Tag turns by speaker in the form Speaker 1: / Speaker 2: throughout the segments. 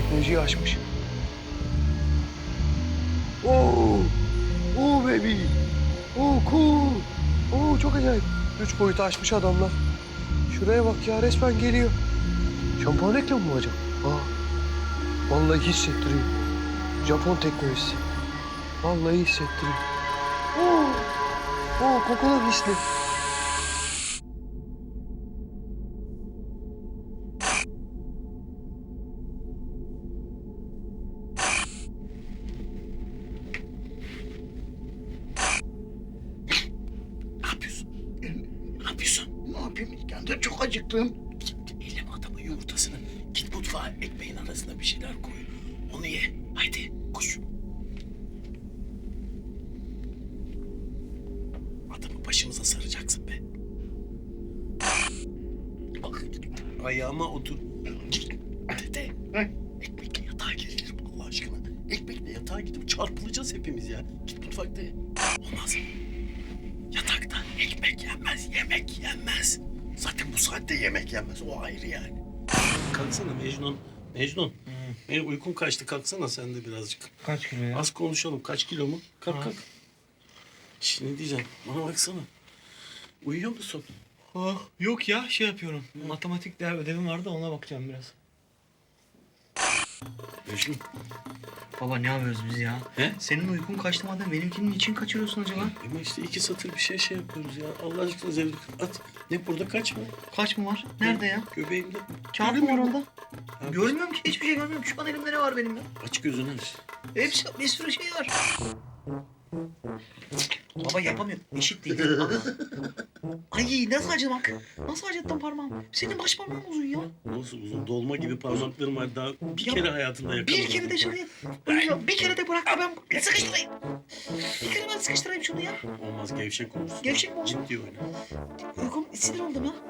Speaker 1: teknolojiyi aşmış. Oo, oo baby. Oo cool. Oo çok acayip. 3 boyutu aşmış adamlar. Şuraya bak ya, resmen geliyor. Şampuan reklamı mı acaba? Aa, vallahi hissettiriyor. Japon teknolojisi. Vallahi hissettiriyor. Oo, oo kokular hisli.
Speaker 2: Ne yapıyorsun? Ne yapıyorsun?
Speaker 3: Ne yapayım İskender? Çok acıktım.
Speaker 2: Elleme adamın yumurtasını. Git mutfağa ekmeğin arasına bir şeyler koy. Onu ye. Haydi koş. Adamı başımıza saracaksın be. Bak, ayağıma otur. Dede. Ekmekle yatağa girilir Allah aşkına. Ekmekle yatağa gidip çarpılacağız hepimiz ya. Git mutfakta ye. Olmaz. Yatakta ekmek yenmez, yemek yenmez. Zaten bu saatte yemek yenmez. O ayrı yani. Kalksana Mecnun. Mecnun. Benim uykum kaçtı. Kalksana sen de birazcık.
Speaker 1: Kaç kilo ya?
Speaker 2: Az konuşalım. Kaç kilo mu? Kalk kalk. Şimdi diyeceğim. Bana baksana. Uyuyor musun?
Speaker 1: Oh, yok ya, şey yapıyorum. Matematik ödevim vardı, ona bakacağım biraz.
Speaker 2: Mecnun.
Speaker 1: Baba ne yapıyoruz biz ya?
Speaker 2: He?
Speaker 1: Senin uykun kaçtı madem, benimkinin için kaçırıyorsun acaba?
Speaker 2: Ama işte 2 satır bir şey yapıyoruz ya. Allah aşkına zevk at. Ne burada kaçma.
Speaker 1: Kaç mı var? Nerede ya?
Speaker 2: Göbeğimde.
Speaker 1: Kağıt mı var
Speaker 2: Göremiyorum.
Speaker 1: orada?
Speaker 2: Ha,
Speaker 1: Görmüyorum ki, hiçbir şey görmüyorum. Şu an elimde ne var benim ya?
Speaker 2: Aç gözünü aç.
Speaker 1: Hepsi, bir sürü şey var. Baba yapamıyorum. Eşit değil. Ay nasıl acımak? Nasıl acıttın parmağımı? Senin baş parmağın uzun ya.
Speaker 2: Nasıl uzun dolma gibi parmaklarım var. Daha bir
Speaker 1: Ya,
Speaker 2: kere hayatımda yakaladım.
Speaker 1: Bir kere de şuraya. Bir kere de bırak da ben sıkıştırayım. Bir kere ben sıkıştırayım şunu ya.
Speaker 2: Olmaz gevşek olursun.
Speaker 1: Gevşek mi olsun?
Speaker 2: Ciddi oyna.
Speaker 1: Uykum sinir oldum ya.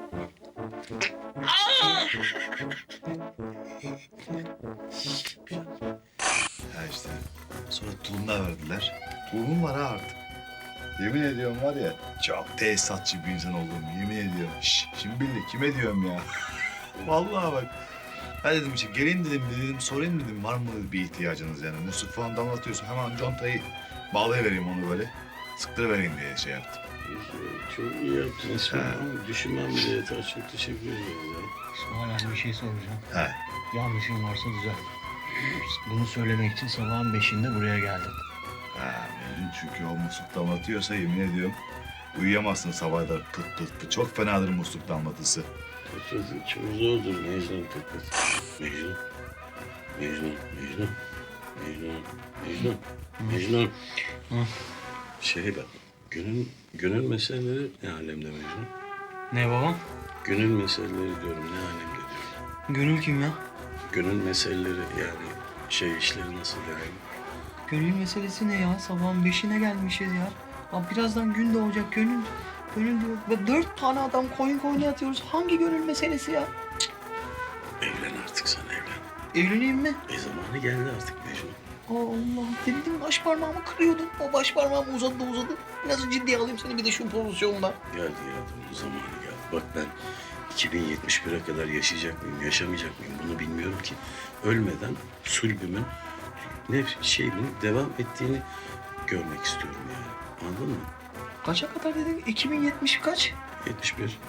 Speaker 3: Ya işte. Sonra tulum da verdiler. Tulumum var ha artık. Yemin ediyorum var ya, çok tesisatçı bir insan olduğumu yemin ediyorum. Şimdi bildi kime diyorum ya. Vallahi bak. Ben dedim işte gelin dedim sorayım dedim var mı bir ihtiyacınız yani. Musluk falan damlatıyorsun hemen contayı bağlayıvereyim onu böyle. Sıktırıvereyim diye şey yaptım.
Speaker 2: Çok iyi yaptın İsmail.
Speaker 3: Ha.
Speaker 2: Ama düşünmem bile yeter. Çok teşekkür ederim ya.
Speaker 1: İsmail abi bir şey soracağım.
Speaker 3: He.
Speaker 1: Yanlışım varsa düzelt. Bunu söylemek için sabahın 5'inde buraya geldim.
Speaker 3: Ha, Mecnun çünkü o musluk damlatıyorsa yemin ediyorum uyuyamazsın sabahlar pıt pıt pıt. Çok fenadır musluk damlatısı.
Speaker 2: Çok zordur Mecnun Kıkıt. Mecnun. Mecnun. Mecnun. Mecnun. Mecnun. Mecnun.
Speaker 1: Hı.
Speaker 2: Şey bak. Gönül meseleleri ne alemde Mecnun?
Speaker 1: Ne babam?
Speaker 2: Gönül meseleleri diyorum ne alemde diyorum.
Speaker 1: Gönül kim ya?
Speaker 2: Gönül meseleleri yani şey işleri nasıl yani?
Speaker 1: Gönül meselesi ne ya? Sabahın 5'ine gelmişiz ya. Abi birazdan gün doğacak. Gönül diyor. Ve 4 tane adam koyun yatıyoruz. Hangi gönül meselesi ya?
Speaker 2: Evlen artık sen evlen.
Speaker 1: Evleneyim mi?
Speaker 2: Zamanı geldi artık Mecnun.
Speaker 1: Allah. Dedim baş parmağımı kırıyordun. O baş parmağım uzadı. Nasıl ciddiye alayım seni bir de şu pozisyonda?
Speaker 2: Geldi bu zamanı geldi. Bak ben 2071'e kadar yaşayacak mıyım, yaşamayacak mıyım bunu bilmiyorum ki. Ölmeden sulbümün, şeyimin devam ettiğini görmek istiyorum yani. Anladın mı?
Speaker 1: Kaça kadar dedin? 2070 kaç?
Speaker 2: 71.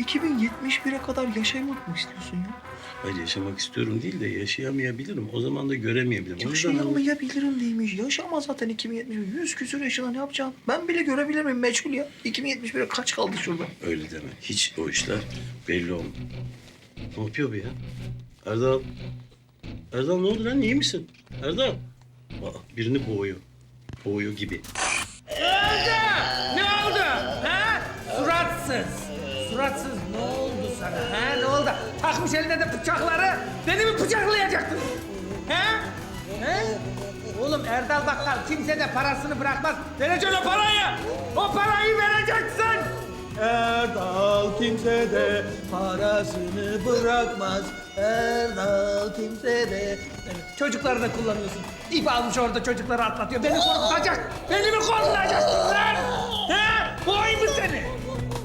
Speaker 1: 2071'e kadar yaşamak mı istiyorsun ya?
Speaker 2: Hayır yaşamak istiyorum değil de yaşayamayabilirim. O zaman da göremeyebilirim. O yüzden
Speaker 1: Yaşayamayabilirim değilmiş. Yaşama zaten 2070. 100 küsur yaşına ne yapacaksın? Ben bile görebilir miyim? Meçhul ya. 2071'e kaç kaldı şurada?
Speaker 2: öyle deme. Hiç o işler belli olmuyor. Ne yapıyor bu ya? Erdal. Erdal ne oldu lan? İyi misin? Erdal. Aa, birini boğuyor. Boğuyor gibi.
Speaker 4: Ne oldu? Ha? Suratsız ne oldu sana? Ha? Ne oldu? Takmış eline de bıçakları. Beni mi bıçaklayacaktın? Ha? Ha? Oğlum Erdal Bakkal kimse de parasını bırakmaz. Vereceksin o parayı. O parayı vereceksin. Erdal kimse de parasını bırakmaz. Erdal kimse de... Çocukları da kullanıyorsun. İp almış orada çocukları atlatıyor. Beni korkutacak. Beni mi korkutacaksın lan? He? Boğayım mı seni?